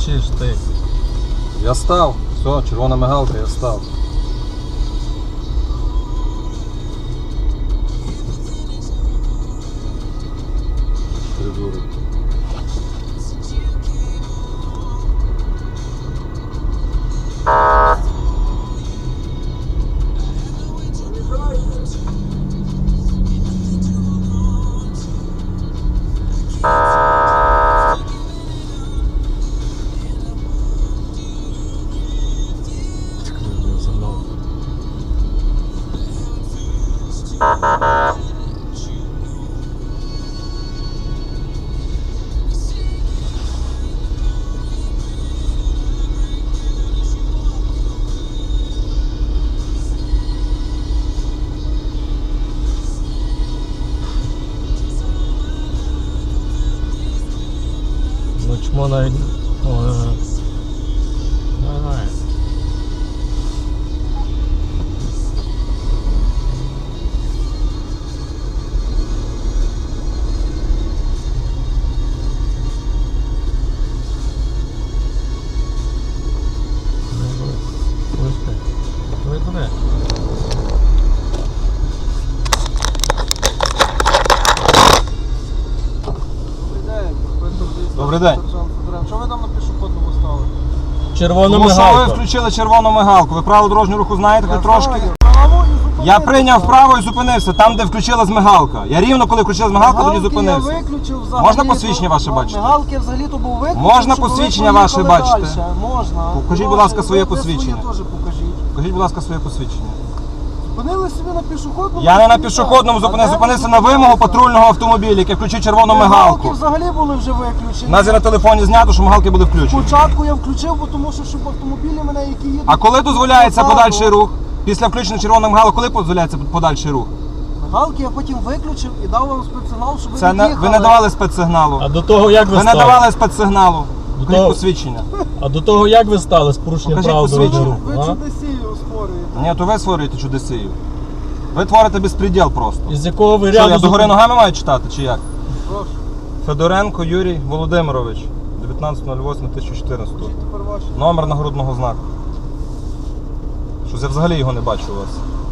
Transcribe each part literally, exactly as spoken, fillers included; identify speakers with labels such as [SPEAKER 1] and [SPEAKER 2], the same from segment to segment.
[SPEAKER 1] кричиш ти?
[SPEAKER 2] Я став. Все, червона мигалка, я став. Придурок.
[SPEAKER 1] Ну чмо навіть... О, давай.
[SPEAKER 2] Добрий день.
[SPEAKER 3] Що ви там на пішохідному стали?
[SPEAKER 1] Червона
[SPEAKER 2] Тому що ви
[SPEAKER 1] мигалка.
[SPEAKER 2] включили червону мигалку. Ви правила дорожнього руху знаєте хоч трошки?
[SPEAKER 3] Право і зупинився.
[SPEAKER 2] Я прийняв право і зупинився там, де включилась мигалка. Я рівно, коли включилась мигалка, тоді зупинився.
[SPEAKER 3] Я виключив взагалі.
[SPEAKER 2] Можна посвідчення ваше бачити?
[SPEAKER 3] Мигалки взагалі то був виключив.
[SPEAKER 2] Можна
[SPEAKER 3] щоб ви
[SPEAKER 2] посвідчення
[SPEAKER 3] поїхали
[SPEAKER 2] ваше бачити?
[SPEAKER 3] дальше. Можна.
[SPEAKER 2] Покажіть, будь
[SPEAKER 3] Прошу,
[SPEAKER 2] ласка, своє
[SPEAKER 3] ви- ви
[SPEAKER 2] посвідчення.
[SPEAKER 3] своє теж покажіть.
[SPEAKER 2] Покажіть, будь ласка, своє посвідчення.
[SPEAKER 3] Зупинили собі на пішохідному.
[SPEAKER 2] Я не на
[SPEAKER 3] і
[SPEAKER 2] пішохідному
[SPEAKER 3] так.
[SPEAKER 2] зупинився,
[SPEAKER 3] А де
[SPEAKER 2] зупинився
[SPEAKER 3] ви
[SPEAKER 2] на вимогу
[SPEAKER 3] зупинилися?
[SPEAKER 2] патрульного автомобіля, який включив червону
[SPEAKER 3] Мигалки
[SPEAKER 2] мигалку.
[SPEAKER 3] взагалі були вже виключені.
[SPEAKER 2] У нас є на телефоні знято, що мигалки були включені.
[SPEAKER 3] Спочатку я включив, бо тому що щоб автомобілі мене, які їдуть.
[SPEAKER 2] А коли дозволяється
[SPEAKER 3] позаду,
[SPEAKER 2] подальший рух? Після включення червоної мигалки, коли дозволяється подальший рух?
[SPEAKER 3] Мигалки я потім виключив і дав вам спецсигнал, щоб ви
[SPEAKER 2] Це не,
[SPEAKER 3] від'їхали.
[SPEAKER 2] ви не давали спецсигналу.
[SPEAKER 1] А до того як ви,
[SPEAKER 2] Ви не
[SPEAKER 1] стали?
[SPEAKER 2] давали спецсигналу.
[SPEAKER 1] До
[SPEAKER 2] Покажіть
[SPEAKER 1] того-
[SPEAKER 2] посвідчення.
[SPEAKER 1] А до того як ви стали з порушенням
[SPEAKER 2] Покажіть
[SPEAKER 1] правил
[SPEAKER 2] посвідчення.
[SPEAKER 1] дорожнього
[SPEAKER 3] Ви
[SPEAKER 1] руху? а?
[SPEAKER 3] чудесію створюєте.
[SPEAKER 2] Ні, то ви створюєте чудесію. Ви творите безпреділ просто.
[SPEAKER 1] Із якого ви
[SPEAKER 2] Що,
[SPEAKER 1] ряду...
[SPEAKER 2] я догори
[SPEAKER 1] зупин-
[SPEAKER 2] ногами маю читати, чи як?
[SPEAKER 3] Прошу.
[SPEAKER 2] Федоренко Юрій Володимирович, дев'ятнадцяте восьме дві тисячі чотирнадцятого.
[SPEAKER 3] Скажіть тепер ваше.
[SPEAKER 2] Номер нагрудного знаку. Щось я взагалі його не бачу у вас.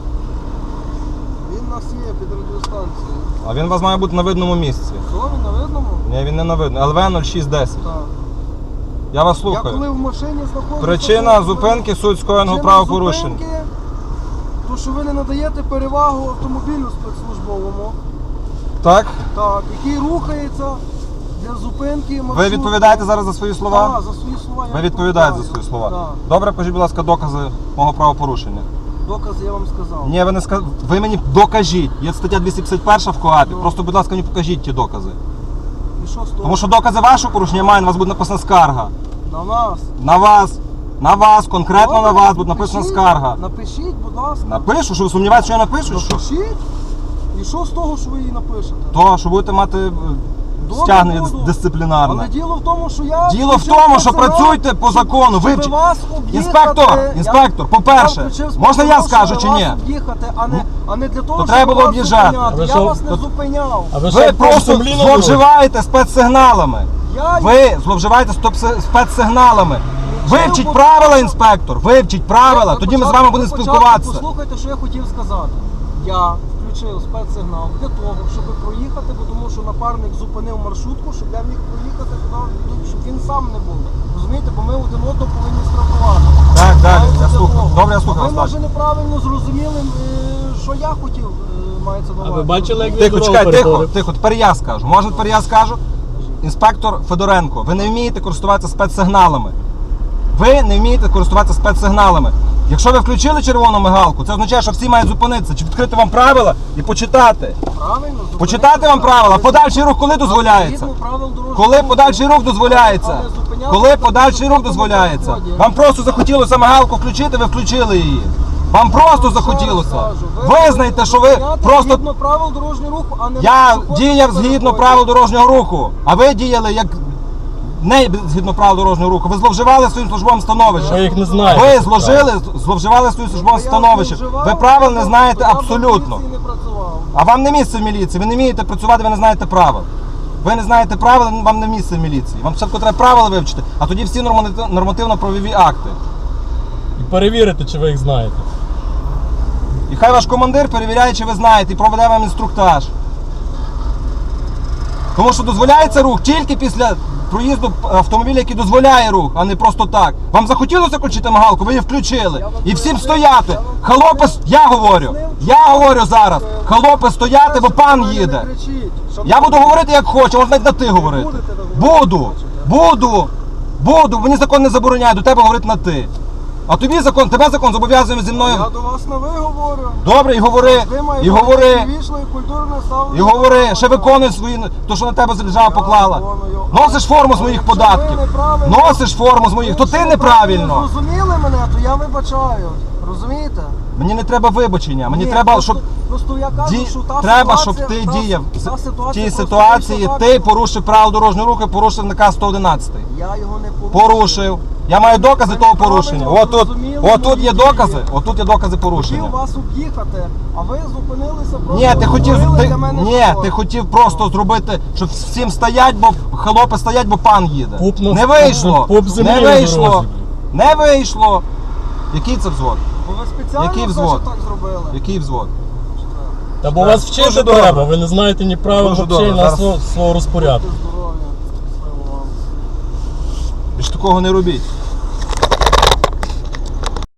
[SPEAKER 3] Він у нас є під радіостанцією.
[SPEAKER 2] А він у вас має бути на видному місці.
[SPEAKER 3] Що, він на видному?
[SPEAKER 2] Ні, він не на видному. Ел В нуль шість десять.
[SPEAKER 3] Так.
[SPEAKER 2] Я вас
[SPEAKER 3] Я
[SPEAKER 2] слухаю.
[SPEAKER 3] коли в машині знаходжуся...
[SPEAKER 2] Причина
[SPEAKER 3] то-
[SPEAKER 2] зупинки суть скоєного
[SPEAKER 3] Причина
[SPEAKER 2] правопорушень.
[SPEAKER 3] зупинки, то, що ви не надаєте перевагу автомобілю спецслужбовому,
[SPEAKER 2] Так?
[SPEAKER 3] так, який рухається для зупинки маршруту.
[SPEAKER 2] Ви відповідаєте зараз за свої слова?
[SPEAKER 3] Так, за свої слова я
[SPEAKER 2] Ви відповідаєте за
[SPEAKER 3] відповідаю.
[SPEAKER 2] свої слова?
[SPEAKER 3] Так.
[SPEAKER 2] Добре, покажіть, будь ласка, докази мого правопорушення.
[SPEAKER 3] Докази я вам сказав.
[SPEAKER 2] Ні, ви не сказ... Ви мені докажіть. Є стаття двісті п'ятдесят перша в КоАПі.
[SPEAKER 3] Ну.
[SPEAKER 2] Просто, будь ласка, мені покажіть ті докази.
[SPEAKER 3] І що з того?
[SPEAKER 2] Тому що докази вашого порушення маю, на вас буде написана скарга.
[SPEAKER 3] На нас.
[SPEAKER 2] На вас. На вас, конкретно
[SPEAKER 3] Добре,
[SPEAKER 2] на вас буде написана
[SPEAKER 3] напишіть,
[SPEAKER 2] скарга.
[SPEAKER 3] Напишіть, будь ласка.
[SPEAKER 2] Напишу, що ви сумніваєтеся, що я напишу? Що?
[SPEAKER 3] Напишіть. І що з того, що ви її напишете?
[SPEAKER 2] То, що будете мати е,
[SPEAKER 3] Добре,
[SPEAKER 2] стягнення
[SPEAKER 3] буду.
[SPEAKER 2] дисциплінарне.
[SPEAKER 3] Але діло в тому, що я...
[SPEAKER 2] Діло в
[SPEAKER 3] включив
[SPEAKER 2] тому, що
[SPEAKER 3] спецсигнал,
[SPEAKER 2] працюйте по
[SPEAKER 3] щоб-
[SPEAKER 2] закону.
[SPEAKER 3] щоб
[SPEAKER 2] Вивчіть.
[SPEAKER 3] вас об'їхати.
[SPEAKER 2] Інспектор,
[SPEAKER 3] Я-
[SPEAKER 2] інспектор,
[SPEAKER 3] я
[SPEAKER 2] по-перше,
[SPEAKER 3] включив
[SPEAKER 2] можна я
[SPEAKER 3] спецсигнал,
[SPEAKER 2] скажу
[SPEAKER 3] щоб
[SPEAKER 2] чи ні?
[SPEAKER 3] вас об'їхати, а не, а не для того,
[SPEAKER 2] То
[SPEAKER 3] щоб
[SPEAKER 2] треба було
[SPEAKER 3] вас
[SPEAKER 2] об'їжджати.
[SPEAKER 3] зупиняти.
[SPEAKER 1] А ви
[SPEAKER 3] Я
[SPEAKER 1] що?
[SPEAKER 3] вас не
[SPEAKER 2] То-
[SPEAKER 3] зупиняв.
[SPEAKER 1] А ви
[SPEAKER 2] Ви
[SPEAKER 1] що,
[SPEAKER 2] просто
[SPEAKER 1] сумлінно робите?
[SPEAKER 2] зловживаєте спецсигналами.
[SPEAKER 3] Я
[SPEAKER 2] Ви зловживаєте стоп- спецсигналами. Вивчіть
[SPEAKER 3] бо-
[SPEAKER 2] правила, інспектор. Вивчіть правила,
[SPEAKER 3] Ви
[SPEAKER 2] тоді ми з
[SPEAKER 3] початку-
[SPEAKER 2] вами
[SPEAKER 3] ви
[SPEAKER 2] будемо
[SPEAKER 3] початку
[SPEAKER 2] спілкуватися.
[SPEAKER 3] Послухайте, що я хотів сказати. Я включив спецсигнал для того, щоб проїхати, бо тому що напарник зупинив маршрутку, щоб я міг проїхати туди, щоб він сам не був. Розумієте, бо ми один одного повинні страхувати.
[SPEAKER 2] Так, так,
[SPEAKER 3] Мається
[SPEAKER 2] я
[SPEAKER 3] для
[SPEAKER 2] слухаю.
[SPEAKER 3] того.
[SPEAKER 2] Добре, я слухаю
[SPEAKER 3] Ви,
[SPEAKER 2] вас
[SPEAKER 3] може, неправильно зрозуміли, е, що я хотів, е, мається на
[SPEAKER 1] А
[SPEAKER 3] увазі.
[SPEAKER 1] ви бачили, як він
[SPEAKER 2] Тихо,
[SPEAKER 1] дорогу
[SPEAKER 2] чекай, тихо,
[SPEAKER 1] переходив?
[SPEAKER 2] тихо, тепер я скажу. Може, тепер я скажу? Інспектор Федоренко, ви не вмієте користуватися спецсигналами. Ви не вмієте користуватися спецсигналами. Якщо ви включили червону мигалку, це означає, що всі мають зупинитися. Чи відкрити вам правила і почитати.
[SPEAKER 3] Правильно, зупинитися.
[SPEAKER 2] Почитати вам правила. Подальший рух коли дозволяється?
[SPEAKER 3] Згідно правил дорожнього
[SPEAKER 2] Коли
[SPEAKER 3] руху.
[SPEAKER 2] подальший рух дозволяється?
[SPEAKER 3] Але зупинятися
[SPEAKER 2] Коли
[SPEAKER 3] на
[SPEAKER 2] подальший рух
[SPEAKER 3] пішохідному
[SPEAKER 2] дозволяється?
[SPEAKER 3] переході.
[SPEAKER 2] Вам просто захотілося мигалку включити, ви включили її. Вам просто захотілося. Визнайте, що ви просто...
[SPEAKER 3] Згідно правил дорожнього руху, а не
[SPEAKER 2] Я
[SPEAKER 3] на
[SPEAKER 2] діяв згідно
[SPEAKER 3] переході.
[SPEAKER 2] правил дорожнього руху, а ви діяли як не згідно правил дорожнього руху. Ви зловживали своїм службовим становищем.
[SPEAKER 1] Ви їх не знаєте.
[SPEAKER 2] Ви зложили, зловживали своїм службовим
[SPEAKER 3] Я
[SPEAKER 2] становищем.
[SPEAKER 3] зловживав,
[SPEAKER 2] Ви правил не
[SPEAKER 3] я
[SPEAKER 2] знаєте
[SPEAKER 3] в
[SPEAKER 2] абсолютно.
[SPEAKER 3] поліції не працював.
[SPEAKER 2] А вам не місце в міліції, ви не вмієте працювати, ви не знаєте правил. Ви не знаєте правил, вам не місце в міліції. Вам спочатку треба правила вивчити, а тоді всі норматив- нормативно-правові акти.
[SPEAKER 1] І перевірити, чи ви їх знаєте.
[SPEAKER 2] І хай ваш командир перевіряє, чи ви знаєте, і проведе вам інструктаж. Тому що дозволяється рух тільки після проїзду автомобіля, який дозволяє рух, а не просто так. Вам захотілося включити мигалку, ви її включили. І всім стояти. Холопи, с- я говорю, я говорю зараз. Холопи стояти, бо пан їде. Я буду говорити як хочу, можна навіть на ти говорити. Буду, буду, буду. Мені закон не забороняє до тебе говорити на ти. А тобі закон, тебе закон зобов'язує зі мною.
[SPEAKER 3] Я до вас на ви говорю.
[SPEAKER 2] Добре, і говори,
[SPEAKER 3] Ви маєте
[SPEAKER 2] і говори,
[SPEAKER 3] вічно і культурне ставлення.
[SPEAKER 2] і говори, ще виконуй свої, то що на тебе держава поклала.
[SPEAKER 3] виконую.
[SPEAKER 2] Носиш форму з моїх
[SPEAKER 3] Якщо ви
[SPEAKER 2] податків.
[SPEAKER 3] неправильно-
[SPEAKER 2] Носиш форму з моїх, то ти
[SPEAKER 3] Якщо ви
[SPEAKER 2] неправильно.
[SPEAKER 3] зрозуміли мене, то я вибачаю. Розумієте?
[SPEAKER 2] Мені не треба вибачення, мені
[SPEAKER 3] Ні,
[SPEAKER 2] треба,
[SPEAKER 3] просто-
[SPEAKER 2] щоб
[SPEAKER 3] Просто я кажу,
[SPEAKER 2] ді...
[SPEAKER 3] що та
[SPEAKER 2] треба,
[SPEAKER 3] ситуація,
[SPEAKER 2] щоб ти
[SPEAKER 3] та-
[SPEAKER 2] діяв.
[SPEAKER 3] та
[SPEAKER 2] В
[SPEAKER 3] ситуація
[SPEAKER 2] тій
[SPEAKER 3] просто
[SPEAKER 2] ситуації
[SPEAKER 3] вийшла
[SPEAKER 2] ти
[SPEAKER 3] так.
[SPEAKER 2] порушив правила дорожнього руху, порушив наказ сто одинадцять.
[SPEAKER 3] Я його не порушив.
[SPEAKER 2] Порушив. Я маю докази
[SPEAKER 3] Ви
[SPEAKER 2] того
[SPEAKER 3] неправильно
[SPEAKER 2] порушення. Отут,
[SPEAKER 3] зрозуміли
[SPEAKER 2] отут
[SPEAKER 3] мої
[SPEAKER 2] є
[SPEAKER 3] дії.
[SPEAKER 2] докази, отут є докази порушення.
[SPEAKER 3] Хотів вас об'їхати, а ви зупинилися просто.
[SPEAKER 2] Ні, ти хотів,
[SPEAKER 3] створили
[SPEAKER 2] ти,
[SPEAKER 3] для мене
[SPEAKER 2] ні,
[SPEAKER 3] шкоду.
[SPEAKER 2] ти хотів просто зробити, щоб всім стоять, бо холопи стоять, бо пан їде.
[SPEAKER 1] Пуп на-
[SPEAKER 2] Не вийшло.
[SPEAKER 1] пуп землі
[SPEAKER 2] Не
[SPEAKER 1] на
[SPEAKER 2] вийшло.
[SPEAKER 1] дорозі.
[SPEAKER 2] Не вийшло. Який це взвод?
[SPEAKER 3] Бо ви спеціально
[SPEAKER 2] Який
[SPEAKER 3] все
[SPEAKER 2] взвод?
[SPEAKER 3] ж так зробили.
[SPEAKER 2] Який взвод?
[SPEAKER 1] Та бо вас
[SPEAKER 2] Дуже
[SPEAKER 1] вчити
[SPEAKER 2] добре.
[SPEAKER 1] треба, ви не знаєте ні правил
[SPEAKER 2] Дуже
[SPEAKER 1] взагалі
[SPEAKER 2] добре.
[SPEAKER 1] на
[SPEAKER 2] Зараз-
[SPEAKER 1] свого, свого розпорядку.
[SPEAKER 3] Будьте здорові. Щасливо вам.
[SPEAKER 2] Ви ж такого не робіть.